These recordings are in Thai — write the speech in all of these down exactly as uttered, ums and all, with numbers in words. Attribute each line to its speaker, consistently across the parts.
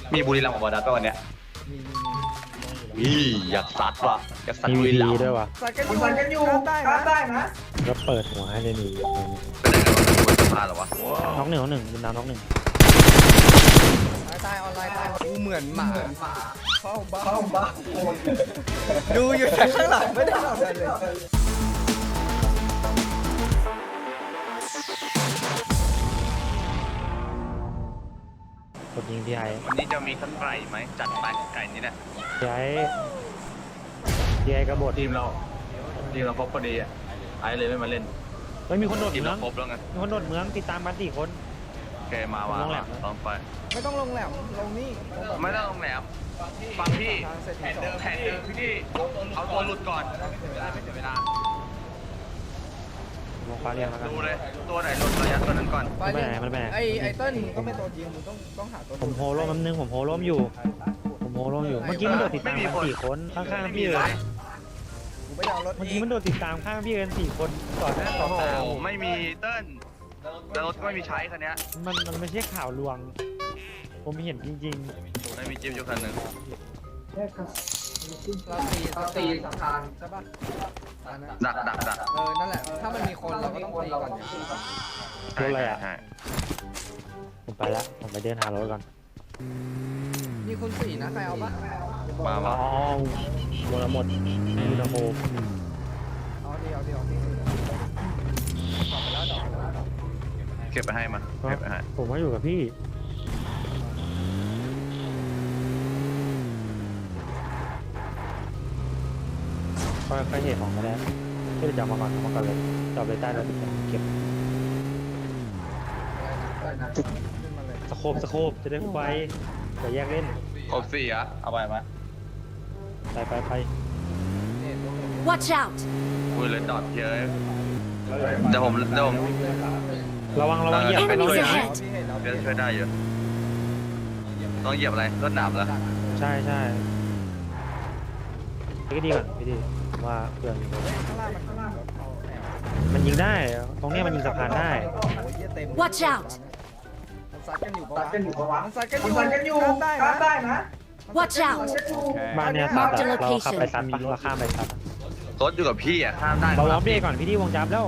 Speaker 1: มีบุรีรัมย์กับบอดัสป่ะวันเนี้ย
Speaker 2: มีมีมี
Speaker 1: อีอยากสัตว์ว่ะอยากสัตว์บุรีรัมย์
Speaker 3: ด้วยวะ
Speaker 2: สัตว์กันอยู่
Speaker 4: สัตว์กันอยู่
Speaker 2: ข้ามได้
Speaker 4: ข้ามได้
Speaker 2: นะ
Speaker 4: นะ
Speaker 3: ก็เปิดหัวให้เลยนี่
Speaker 1: เป็นไงกันวะบนสะพานเหรอวะ
Speaker 3: น้องหนึ่งน้องหนึ่งดินน้ำน้องหนึ่ง
Speaker 2: ตายตายออนไลน์ตายกูเหมือนหมาเข้าบ้า
Speaker 4: เข้าบ้าน
Speaker 2: ดูอยู่แต่ข้างหลังไม่ได้ทำอะไรเลย
Speaker 3: กดยิงพี่ไอ้
Speaker 1: วันนี้จะมีสักไก่ไหมจัดไปไก่นี้เนี่ย
Speaker 3: พี่ไอ้พี่ไอ้กระโดด
Speaker 5: ทีมเราทีมเราครบพอดีอ่ะไอ้เลยไม่มาเล่น
Speaker 3: เฮ้ยมีคนโดด
Speaker 1: ทีม
Speaker 3: เมือ
Speaker 1: เรา
Speaker 3: ง
Speaker 1: ครบแล้วไง
Speaker 3: มีคนโดดเมืองติดตามกันสี่คน
Speaker 1: โอเคมามา
Speaker 3: ลงแหล
Speaker 1: มาม ต้องไป
Speaker 2: ไม่ต้องลงแหลมลงนี่ลงแบบ
Speaker 1: ไม่ต้องลงแหลมฟังพี่
Speaker 2: ทางเสร็จ
Speaker 1: แผนเดิมแผนเดิมพี่เอาตัวหลุดก่อนจะได้ไม่เสียเวลา
Speaker 3: ลงฟ้าเรียงแล้วกัน
Speaker 1: ดูเลยตัวไหนหลุดระยะตัวนั้นก่อน
Speaker 3: มันไปไหนมันไปไหน
Speaker 2: ไอไอเติ้ลมึงก็เป็นตัวจริงมึงต้องต้องหาตัว
Speaker 3: ผมโฮล่มแป๊บนึงผมโฮล่มอยู่ ผมโฮล่มอยู่ เมื่อกี้มันโดดติดตามกันสี่คนข้างๆพี่เลย
Speaker 2: กูไม่ได้เอารถ
Speaker 3: เมื่อกี้มันโดดติดตามข้างพี่กันสี่คนต่อหน้าต่อ
Speaker 1: โอ้โห
Speaker 3: ตา
Speaker 1: ไม่มีเติ้ลแล้วรถก็ไม่มีใช้คันนี้
Speaker 3: มันมันไม่ใช่ข่าวลวง ผมเห็นจริง
Speaker 1: ไม่มีจิ๊บอยู่คันหนึ่ง
Speaker 2: เราตี
Speaker 4: เราตีสะพาน
Speaker 2: ใช่ปะอันนั้น
Speaker 1: ดักดักดัก
Speaker 2: เออนั่นแหละถ้ามันมีคนเราก็ต้องตีก่อนเนี่ย
Speaker 3: รถอะไรอะ
Speaker 1: ใช่
Speaker 3: ๆ ผมไปละผมไปเดินหารถก่อน
Speaker 2: มีคนสี่นะใครเอาปะ
Speaker 1: มา
Speaker 3: อ๋
Speaker 1: มา
Speaker 3: อหมดละหมดยูนาโฮ
Speaker 2: เอาดีเอาดีเอาดีดอกไปแล้วดอกไปแล้วดอก
Speaker 1: เก็บไปให้มาเก็บไปให้
Speaker 3: ผมก็อยู่กับพี่ค่อยๆเห็นของมาแล้วก็จะจับมาก่อนเอามาก่อนเลยจับเลยใต้รถเก็บ
Speaker 2: อะไรนะขึ้นมาเลย
Speaker 3: สโคบสโคบจะได้ไฟจะแยกเล่น
Speaker 1: ครบสี่อะเอาไปไหม
Speaker 3: ไปไปไป
Speaker 2: เนี่ยตัวหนึ่ง
Speaker 6: Watch out!
Speaker 1: อุ้ยเลยดอดเยอะเดี๋ยวผมเดี๋ยวผม
Speaker 3: ระวังระวังเหยียบไป
Speaker 6: Enemies
Speaker 3: เรา
Speaker 6: ahead
Speaker 2: พี่เห็นแล้ว
Speaker 1: เดี๋ยวช่วยได้เยอะต้องเหยียบอะไรรถหนามเหรอ
Speaker 3: ใช่ใช่พี่ดีก่อนพี่ดีว่าเพื่อน
Speaker 2: ข้างล่างมันข้างล่างเอาแอบ
Speaker 3: มันยิงได้ ตรงเนี้ยมันยิงสะพานได้
Speaker 2: โอ้ยเหี้ยเต็ม
Speaker 6: Watch out
Speaker 2: มันซัดกันอยู่ปะ
Speaker 4: สัตว์กันอยู่ปะวะ
Speaker 2: มันซัดกันอ
Speaker 4: มัน
Speaker 2: ยู่
Speaker 4: สัตว์กันอยู่
Speaker 2: ข้ามได้
Speaker 4: ข้าม
Speaker 2: นะ
Speaker 4: ได้นะ
Speaker 6: Watch out!
Speaker 3: บ้านเนี้ยซัดอะ
Speaker 6: Mark the
Speaker 3: เราขับไป
Speaker 6: location
Speaker 3: ซัดปะเราข้ามไปซัดอะ
Speaker 1: รถอยู่กับพี่อะข้ามได้
Speaker 3: เรา
Speaker 1: ค
Speaker 3: ล้
Speaker 1: รั
Speaker 3: อบ มเบรกก่อนพี่ดีวงจับแล้ว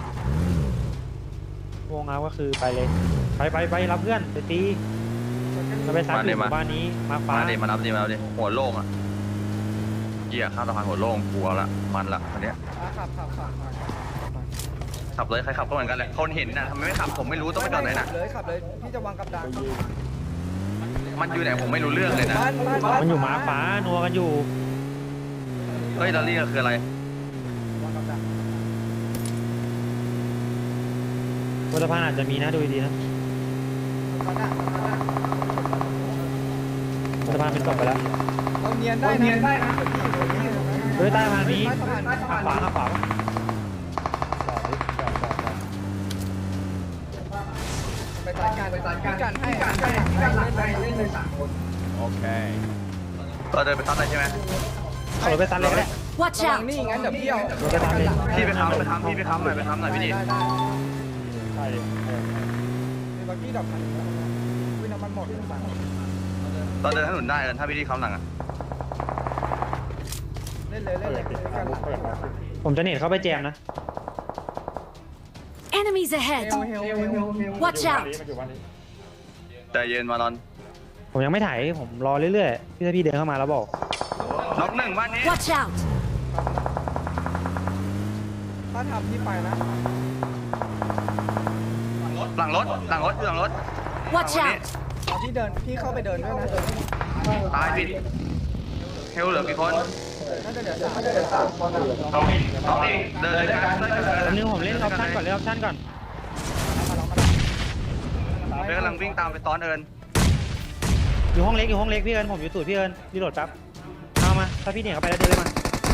Speaker 3: วงเอาก็คือไปเลย ไปไปไปรับเพื่อนไปตีจะไปซัดอยู่หมู่บ้านนี้มาฟ้า
Speaker 1: มาดิมานับดิมานับดิหัวโล่งอะเกียร์ข้ามสะพานหัวโล่งกลัวละมันละคันเนี้ย
Speaker 2: อ่ะขับขับขับขับขับ
Speaker 1: ขับเลยใครขับก็เหมือนกันแหละคนเห็นน่ะทำไมไม่ขับผมไม่รู้ต้องไปจอดไหนน่ะ
Speaker 2: ขับเลยขับเลยพี่จะวางกับดัก
Speaker 1: มันอยู่ไหนผมไม่รู้เรื่องเลยนะ
Speaker 2: บ้านบ้านบ้าน
Speaker 3: มันอยู่มาฟ้านัวกันอยู่
Speaker 1: เฮ้ยลอรี่ก็คืออะไร
Speaker 2: วางกับดัก
Speaker 3: บนสะพานอาจจะมีนะดูดีๆนะ
Speaker 2: มันอ่ะมันอ่ะ
Speaker 3: บนสะพานเป็นตกไปแล้ว
Speaker 2: เราเนียนได้
Speaker 4: เราเนียนได้นะ
Speaker 3: เฮ้ยใต้สะพานนี้
Speaker 2: ใต้สะพาน
Speaker 3: ข้างขวาข้างขวา
Speaker 2: ไปจัดการ
Speaker 4: ไปจัดการ
Speaker 2: กันให้
Speaker 4: การให้การหลังให้เล่นเลยสามคน
Speaker 1: เราเดินไปซัดเลยใช่ไหม
Speaker 3: ขับรถไปซัดเลยก็ได้
Speaker 6: Watch
Speaker 2: ระวัง
Speaker 6: out!
Speaker 2: นี่งั้นเดี๋ยวพี่เอา
Speaker 3: รถไปซัดเลย
Speaker 1: พี่ไปค้ำไปค้ำพี่ไปค้ำหน่อยไปค้ำหน่อยพี่ดิ
Speaker 2: ได้ได้
Speaker 3: ใช่เลย
Speaker 2: มีบักกี้ดอกพันวิน้ำมันหมด
Speaker 1: เราเดินถนนได้เออถ้าพี่ดิค้ำหลังอะ
Speaker 2: เล่นเลยเล่นเลยกันหลัง
Speaker 3: ผมจะเน็ตเข้าไปแจมนะ
Speaker 6: Enemies
Speaker 2: เฮ
Speaker 6: ahead!
Speaker 2: ลเฮลเฮลเฮล
Speaker 6: Watch out!
Speaker 1: ใจเย็นมารอน
Speaker 3: ผมยังไม่ถ่ายผมรอเรื่อยๆพี่ถ้าพี่เดินเข้ามาแล้วบอก
Speaker 1: น็อกหนึ่งบ้านนี้
Speaker 6: Watch out!
Speaker 2: ถ้าทำพี่ไปนะ
Speaker 1: หลังรถหลังรถอยู่หลังรถ
Speaker 6: Watch out!
Speaker 2: ตอนพี่เดินพี่เข้าไปเดินด้วยนะ
Speaker 1: ตายพี่เฮลเหลือกี่คน
Speaker 2: น่าจะเดี๋ยวสาม
Speaker 4: เดี๋ยวสามคนอะ
Speaker 1: น้องน้องเองเดินเลยกันเดินเลยกัน
Speaker 3: แป๊บนึงผมเล่นออปชั่นก่อนเล่นออปชั่นก่อน
Speaker 1: เดินกำลังวิ่งตามไปซ้อนเอิญ
Speaker 3: อยู่ห้องเล็กอยู่ห้องเล็กพี่เอิญผมอยู่ตูดพี่เอิญรีโหลดแป๊บเอามาถ้าพี่เหนี่ยเข้าไปแล้วเดินเลยมา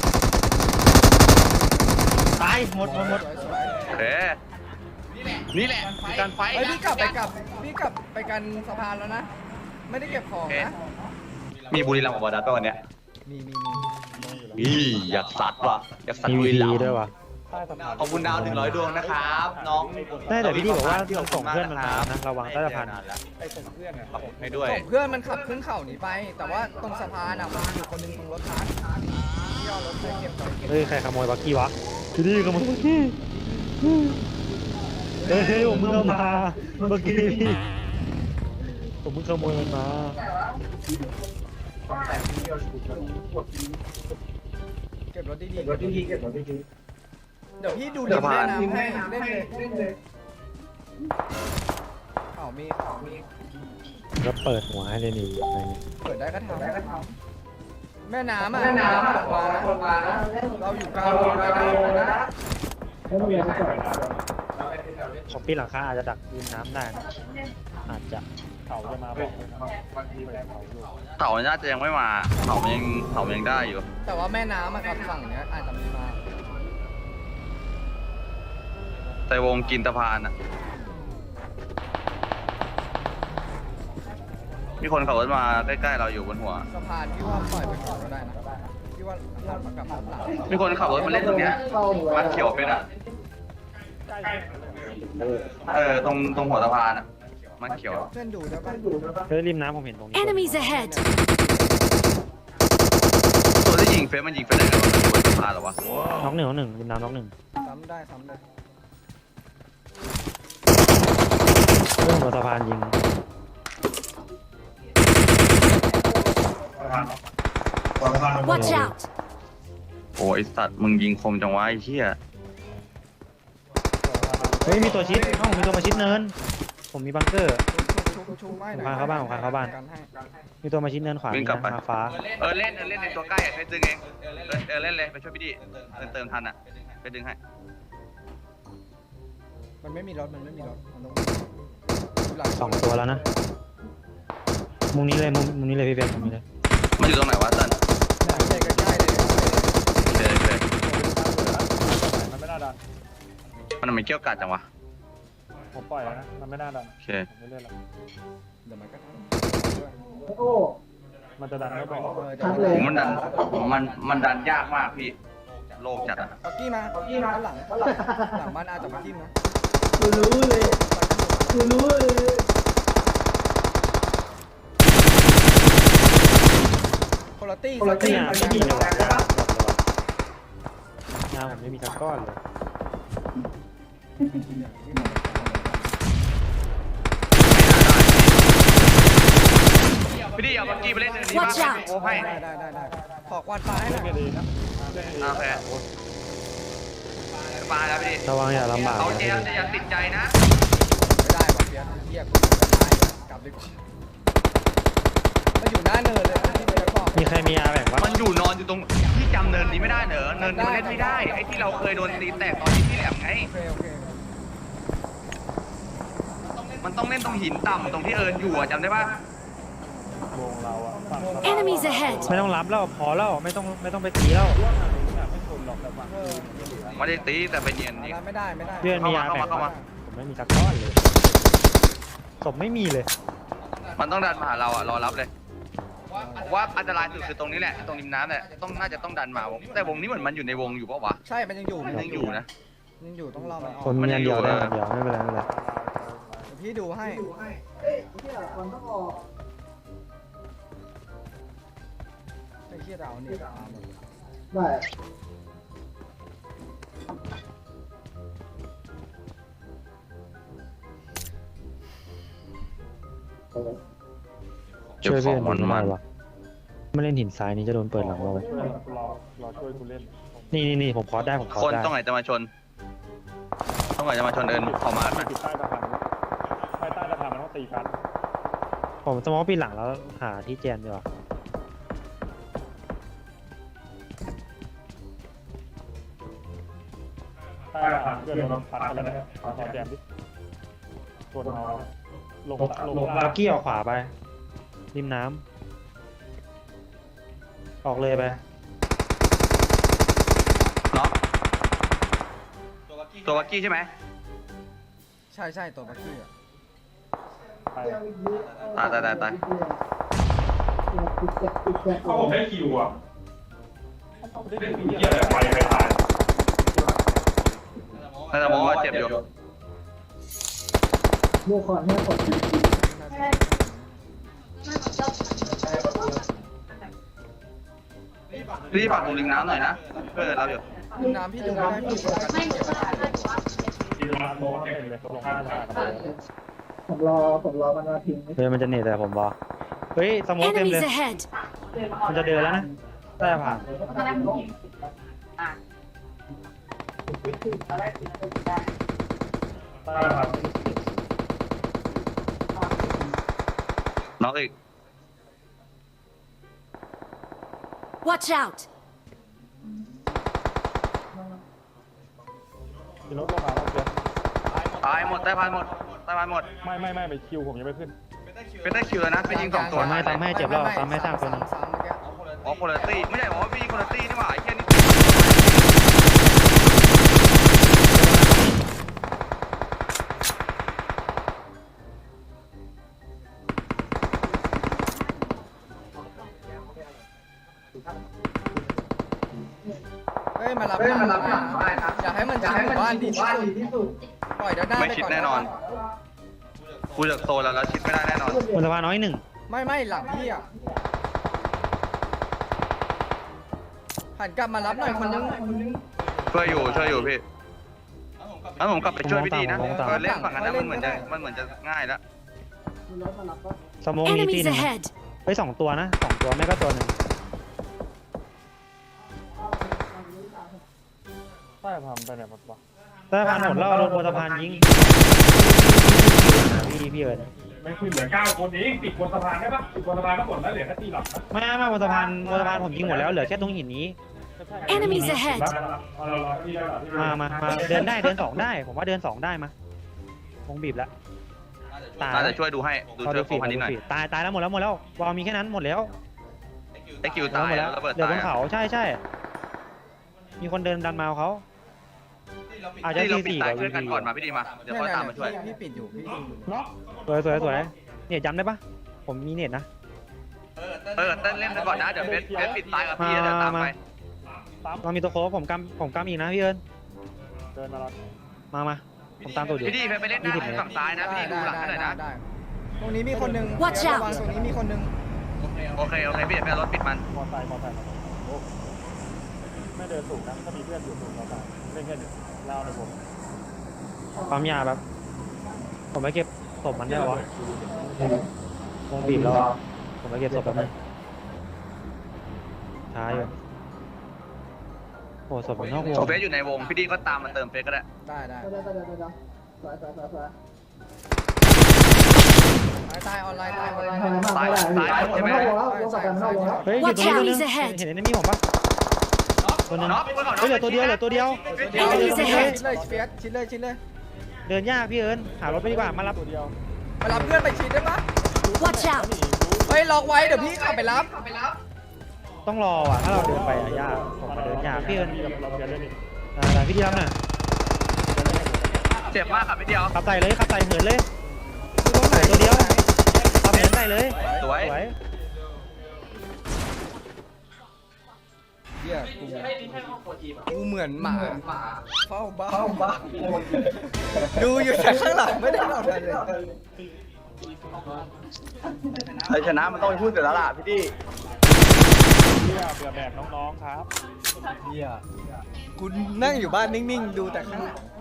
Speaker 3: ตายหมดหมดหมด
Speaker 1: เอ๊ะนี่แหละการไฟ
Speaker 2: เฮ้ยพี่กลับไปกลับพี่กลับไปกันสะพานแล้วนะ ไม่ได้เก็บของนะ
Speaker 1: มีบุรีรัมย์กับบอดัสป่ะวันเนี้ย
Speaker 2: มีมีมี
Speaker 1: อีอยากสัตว์ว่ะอยากสัตว์
Speaker 3: มี
Speaker 1: บุรี
Speaker 3: วี
Speaker 1: รัมย์
Speaker 3: ด้วยวะใต้สะพาน
Speaker 5: ขอบคุณดาวหนึ่งร้อยดวงนะครับน้อง
Speaker 3: ได้แต่พี่ที่บอกว่า
Speaker 5: ที่
Speaker 3: ส่งเพื่อนมันมานะระวังใต้สะพาน
Speaker 2: ไปส่งเพื่อนอะ
Speaker 5: ขอบคุณให้ด้วย
Speaker 2: ส่งเพื่อนมันขับขึ้นเขาหนีไป แต่ว่าตรงสะพานอ่ะมันอยู่คนหนึงตรงรถทักที่เอารถไปเก็บไปเก็บ
Speaker 3: เฮ้ยใครขโมยบักกี้วะพี่ดีขโมยบักกี้เฮ้ยเฮ้ยผมมึงเอามาบักกี้พี่ผมมึงขโมยมันมา
Speaker 2: เก็บรถดีๆ
Speaker 4: รถดีๆเก็บรถดี
Speaker 2: เดี๋ยวพี่ดูดิแม่น้ำให้เล่นเลย
Speaker 4: เล่นเลย
Speaker 2: ข่าวมีข่าวมี
Speaker 3: ก็เปิดหัวให้เลยนี่อะไรเนี่ย
Speaker 2: เปิดได้ก็ท
Speaker 4: ได้ก็ท
Speaker 2: ำแม่น้ำ
Speaker 4: ำ
Speaker 2: อ่ะ
Speaker 4: แม่น้ำ
Speaker 2: ต
Speaker 4: อ่ะ
Speaker 2: กมานะ
Speaker 4: คนมานะ
Speaker 2: เราอยู่กลาง
Speaker 4: เรา
Speaker 2: วง
Speaker 4: เรา
Speaker 2: นะ
Speaker 4: เรานะ
Speaker 3: ผมปีนหลังคาอาจจะดักยืนน้ำได้นะอาจจะเขาจะมาบอก
Speaker 1: เต่าน่าจะยังไม่มาเต่ามันยังเต่ามันยังได้อยู่
Speaker 2: แต่ว่าแม่น้ำอ่ะกับฝั่งเนี้ยอาจจะมีมา
Speaker 1: แต่วงกินตะพานอ่ะมีคนขับรถมาใกล้ๆเราอยู่บนหัว
Speaker 2: สะพานพี่ว่าปล่อยไปก่อนก็ได้นะพี่ว่าหันมากลับรถหลัง
Speaker 1: มีคนขับรถมาเล่นตรงเนี้ยมันเขียวเป็นอ่ะเออตรงตรงหัวสะพานอ่ะมันเขียว
Speaker 2: เพื่อนดูได้ปะ
Speaker 3: เฮ้ยริมน้ำผมเห็นตรงนี้
Speaker 6: Enemies ahead!
Speaker 1: ตัวที่ยิงเฟซมันยิงเฟซไหนกันวะมันอยู่บนสะพานเหรอวะ
Speaker 3: น้องหนึ่งน้องหนึ่งริมน้ำน้องหนึ่ง
Speaker 2: ซ้ำได้ซ้ำเลย
Speaker 3: เรื่องบนสะพานยิง
Speaker 6: Watch out!
Speaker 1: โอ้ยไอ้สัตว์มึงยิงคมจังวะไอ้เหี้ย
Speaker 3: เฮ้ยมีตัวชิดเอ้ามีตัวมาชิดเนิน ผมมีบังเกอร์
Speaker 2: ชุบชุบชุบไม่หน่อย
Speaker 3: ผมพาเข้าบ้านผมพาเข้าบ้าน
Speaker 2: กันให้
Speaker 3: มีตัวมาชิดเนินขวามีนะมาฟ้า
Speaker 1: เออเล่นเออเล่นในตัวใกล้อะไปดึงเองเออเออเล่นเลยไปช่วยพี่ดิเติมเติมทันอ่ะไปดึงให้
Speaker 2: มันไม่มีรถมันไม่มีรถมันต้องอยู่หลัง
Speaker 3: สองตัวแล้วนะ มุมนี้เลยมุมมุมนี้เลยพี่เบลมุมนี้เลย
Speaker 1: มันอยู่ตรงไหนวะเติ้ล
Speaker 2: เลยใกล้ๆเลย
Speaker 1: โอเคโอเค
Speaker 3: มันไม่น่าดัน
Speaker 1: มันไม่เกี่ยวกัดจังวะ
Speaker 3: ผมปล่อยแล้วนะ มันไม่น่าดัน
Speaker 1: โอเค
Speaker 3: ผมไม่เล่นแล้ว
Speaker 2: เดี๋ยวมันก็ท
Speaker 4: โอ้
Speaker 3: มันจะดันก็บอก
Speaker 2: ำเออเดี๋ยว
Speaker 4: ชัด
Speaker 2: มัน
Speaker 4: เลย
Speaker 1: ผมมันดันมันมันดันยากมากพี่โลกจัดอ่ะ
Speaker 2: ปักกี้มาปักกี้มาหลังหลังหลังมันอาจจะมาทิ่มนะ
Speaker 4: กูรู้เลยกูรู้เลย
Speaker 2: คนละตี้
Speaker 4: คนละตี้
Speaker 3: งานไม่มีเลยว่ะงานผมไม่มีสักก้อนเลย
Speaker 1: พี่ดิเอาบักกี้ไปเล่นเนินนี้
Speaker 6: Watch
Speaker 1: บ้าง
Speaker 6: out
Speaker 1: โอ้ให้
Speaker 2: ได้ได้ได้ได้ขอควันปลาให้หน่อย
Speaker 1: โอเคมาแล้วพี่ดิ
Speaker 3: ระวังอย่าลำบาก
Speaker 1: เอา
Speaker 3: นะ
Speaker 1: เจลแต่อย่าติดใจนะ
Speaker 2: ไม่ได้ว่ะเพี้ยนเฮียกูจะตายกลับดีกว่ามันอยู่หน้าเนินเลยนะที่เพี้ยนบอก
Speaker 3: มีใครมีอาแบ่งปะ
Speaker 1: มันอยู่นอนอยู่ตรงที่จำเนินนี้ไม่ได้เหรอเนินนี้มันเล่นไม่ได้ไอ้ที่เราเคยโดนตีแตกตอนที่ที่แหลมไง
Speaker 2: โอเคโอเค
Speaker 1: มันต้องเล่นตรงหินต่ำตรงที่เอิญอยู่อะจำได้ปะ
Speaker 6: Enemies ahead!
Speaker 3: ไม่ต้องรับแล้วพอแล้วไม่ต้องไม่ต้องไปตีแล้ว
Speaker 2: เออ
Speaker 1: ไม่ได้ตีแต่ไปเนียนนี่
Speaker 2: อะไรไม่ได้ไม่ได้
Speaker 3: เพื่อนมีอา
Speaker 1: เข้า
Speaker 3: แบ่
Speaker 1: มาง เข้ามา
Speaker 3: ปะผมไม่มีสักก้อนเลยศพไม่มีเลย
Speaker 1: มันต้องดันมาหาเราอะรอรับเลยว่าอันตรายสุดคือตรงนี้แหละตรงริมน้ำเนี่ยต้องน่าจะต้องดันมาวงแต่วงนี้เหมือนมันอยู่ในวงอยู่ปะวะ
Speaker 2: ใช่มันยังอยู่
Speaker 1: มันยังอยู่นะ
Speaker 2: ยังอยู่ต้องรอมันออก
Speaker 3: คนมีอันเดียวได้อันเดียวไม่เป็นไรไม่เป็นไร
Speaker 2: เดี๋ยวพี่ดูให้
Speaker 4: เอ๊ะเนี่ยมันต้องออก
Speaker 2: ไอ้เหี้ยเราเนี่ยตามหมด
Speaker 4: ได้
Speaker 1: เก็บ
Speaker 3: ช่วย
Speaker 1: ขอ
Speaker 3: เพื่อง น
Speaker 1: มัน
Speaker 3: ไม่
Speaker 1: มั
Speaker 3: ได้
Speaker 1: น
Speaker 3: วะไม่เล่นหินทรายนี้จะโดนเปิดหลังเราเลยนี่นี่นี่ผมคอสได้ผมคอส
Speaker 1: คน
Speaker 3: ได้
Speaker 1: ต้องไหนจะมาชนต้องไหนจะมาชนเอิญขอมาร์คหน่อย
Speaker 3: ผมสมองปีนหลังแล้วหาที่แจนดีกว่า
Speaker 7: ใต้ทางเพื่อนเราพัดกันแล้วนะขอแจมดิส่วนเราลงลง
Speaker 3: ลักกี้ออกขวาไปริมน้ำออกเลยไป
Speaker 1: เนาะตัววักกี้ใช่ไหม
Speaker 2: ใช่ใช่ตัวบักกี้อ่ะ
Speaker 7: ไป
Speaker 1: ตายตายตายตาย
Speaker 7: เขาผมได้คิวอ่ะได้คิวเยอะเลยไปไปตาย
Speaker 1: น่าจะมองว่าเจ็บอยู่
Speaker 4: โมคอนเนี่ยคน
Speaker 1: พี่ฝากดูริมน้ำหน่อยนะเพื่อนเราอยู่
Speaker 2: น้ำพี่ดูไม่ได้พี่ดูกันเก็บ
Speaker 7: ที่ร้านโต๊ะเต็มเลยลงข้างทางกันเลย
Speaker 4: ผมรอผมรอมันมาทิ้ง
Speaker 3: เฮ้ยมันจะหนีแต่ผมบอกเฮ้ยสโมกเต็มเลย
Speaker 6: Enemies ahead!
Speaker 3: มันจะเดินแล้วนะใต้ผ่าน
Speaker 7: ใต้ครับ
Speaker 1: น้องอีก
Speaker 6: Watch out!
Speaker 7: มีรถลงมาแล้วเพื่อน
Speaker 1: ตายหมดใต้พานหมดใต้พานหมด
Speaker 7: ไม่ไม่ไม่ไปคิวผมยังไม่ขึ้น
Speaker 1: เป็นได้คิวแล้วนะไปยิงสองตัว
Speaker 3: ตามให้ตามให้เจ็บแล้วตามให้สร้างตัวหนึง
Speaker 2: ซ้ำๆเมื่อกี้
Speaker 1: อ๋อโคลตี้ไม่ใช่บอกว่าพี่ยิงโคลตี้นี่หว่าไอ้แค่นี้
Speaker 2: เฮ้ยมารับหลังมาอย่าให้มันชิดหมู่บ้านดีที่สุด
Speaker 4: ที่สุด
Speaker 2: ปล่อยเดินหน้า
Speaker 1: ไม่
Speaker 2: ไป
Speaker 1: ชิด
Speaker 2: ก่อน
Speaker 1: แน่นอนกูจากโซนแล้วแล้วชิดไม่ได้แน่นอน
Speaker 3: บนสะพานน้อยหนึ่ง
Speaker 2: ไม่ไม่หลังพี่อ่ะหันกลับมารับหน่อยคนนึง
Speaker 1: ช่วยอยู่ช่วยอยู่พี่งั้นผมกลับไปช่วยพี่ดีนะเออเล่นฝั่งนั้นนะมันเหมือนจะมันเหมือนจะง่ายแล้ว
Speaker 4: มีรถมารับปะ
Speaker 3: สโมกมีที่
Speaker 6: Enemies
Speaker 3: หนึ่ง
Speaker 6: ahead!
Speaker 3: เฮ้ยสองตัวนะสองตัวแม่ก็ตัวหนึ่ง
Speaker 7: ใต้ทำไปไหนหมดวะ
Speaker 3: ใต้ผ่านหมดแล้วโดนบนสะพานยิงพี่พี่เอิญ
Speaker 7: ไม่คือเหลือเก้าคนเองติดบนสะพานได้ปะติดบนสะพานก็หมดแล้วเหลือแค่ตีหลับ
Speaker 3: ไม่ไม่บนสะพานบนสะพานผมยิงหมดแล้วเหลือแค่ตรงหินนี้
Speaker 6: Enemies ahead!
Speaker 7: เอาเราเราที่เราที่
Speaker 3: มามามาเดินได้เดินสองได้ ผมว่าเดินสองได้มาวงบีบแล้วตาย
Speaker 1: น่าจะช่วยดูให้ดู
Speaker 3: เขา
Speaker 1: ช่
Speaker 3: ดู
Speaker 1: วยโฟ
Speaker 3: ฟีด
Speaker 1: กัสนิดหน่อย
Speaker 3: ตายตายแล้วหมดแล้วหมดแล้ววอลมีแค่นั้นหมดแล้ว
Speaker 1: ไอ้คิวตาย
Speaker 3: หมด
Speaker 1: แล้วระเบิด
Speaker 3: เดี๋ยว
Speaker 1: ตา
Speaker 3: บ
Speaker 1: ย
Speaker 3: นเขาใช่ใช่มีคนเดินดันมาเขาอาจจะ
Speaker 1: ที่เรา
Speaker 3: สี่
Speaker 1: ปิด
Speaker 3: สี่
Speaker 1: ตาย
Speaker 3: กับ
Speaker 1: ช่วยกันก่อนมาพี่ดีมาเดี๋ยวเขาตามมาช่วย
Speaker 2: พี่ปิดอยู่พี่
Speaker 7: เนาะ
Speaker 3: สวยสวยสวยเนี่ยย้ำได้ปะผมมีเน็ตนะ
Speaker 1: เออเต้นเล่นไปก่อนนะเดี๋ยวเบสเบสปิดตายกับพี่เดี๋ยวตามไป
Speaker 7: ตาม
Speaker 3: เรามีตัวโค้งผมกำผมกำอีกนะพี่เอิญ
Speaker 7: เดินมาแล้ว
Speaker 3: มามาผมตามตัวอยู่
Speaker 1: พี่ดีไปเล่นหน้าฝั่งซ้ายนะพี่ดีดูหลังให้หน่อยนะ
Speaker 2: ได้ตรงนี้มีคนนึง
Speaker 6: Watch
Speaker 2: เดี๋ยว
Speaker 6: out
Speaker 2: ระวังตรงนี้มีคนนึง
Speaker 1: โอเคโอเคพี่เดี๋ยวไปเอารถปิดมัน
Speaker 7: มอไซค์มอไซค์โอ้ไม่เดินสูงนะถ้ามีเพื่อนอยู่สูงมอไซค์เล่นแค่หนึ่งเล่าในวง
Speaker 3: ปั๊มยาแบบผมไปเก็บศพมันได้ปะวะวงบีบแล้วอะผมไปเก็บศพแบบนึงช้าอยู่โอ้ศพมันนอกวง
Speaker 1: โอเฟสอยู่ในวงพี่ดีก็ตามมาเติมเฟสก็ได้
Speaker 2: ได้ได้
Speaker 4: ได้ได้ได้ได้ได้สวยสวยสวยสวย
Speaker 2: ตายตายออนไลน์ตายออนไลน์
Speaker 4: ทำมากไม่ได้พี่ไม่ต้องรอแล้วลงกับกันไม่ต้องรอแล้ว
Speaker 3: เฮ้ยอยู่ตรงนี้ตัวนึง
Speaker 6: Watch out, he's ahead
Speaker 3: เห็นเห็นไอ้นี่ผมปะตัวนึง
Speaker 1: น็อกเพื่อนก่อน
Speaker 3: เฮ้ยเหลือตัวเดียวเหลือตัวเดียว
Speaker 2: เดี๋ยว
Speaker 6: Enemies
Speaker 2: ชิด
Speaker 6: ahead
Speaker 2: เลยเฟียสชิดเลยชิดเลย
Speaker 3: เดินยากพี่เอิญหารถไปดีกว่ามารับ
Speaker 7: ตัวเดียว
Speaker 2: มารับเพื่อนไปชิดได้ปะ
Speaker 6: Watch out!
Speaker 2: เฮ้ยล็อกไว้เดี๋ยวพี่ขับไปรับ
Speaker 3: ต้องรออ่ะถ้าเราเดินไปอ่ะยากผมมาเดินยากพี่เอิญ
Speaker 7: กับเราเดินเล่นอีก
Speaker 3: ได้พี่ดีรับหน่อย
Speaker 1: เจ็บมากครับพี่เดียว
Speaker 3: ขับไต่เลยขับไต่เหินเลยเหลือตัวเดียวขับเหินไต่เลย
Speaker 1: สวย
Speaker 3: สวย
Speaker 2: เฮียกูกูเหมือนหมาเฝ้าบ้านดูอยู่แต่ข้างหลังไม่ได้ทำอะไรเลย
Speaker 1: ไอชนะมันต้องไปพูดเสร็จแล้วล่ะพี่ดี
Speaker 7: เที่ยเบื่อแบบน้องๆครับ
Speaker 2: เฮียคุณนั่งอยู่บ้านนิ่งๆ ดูแต่ข้างหลัง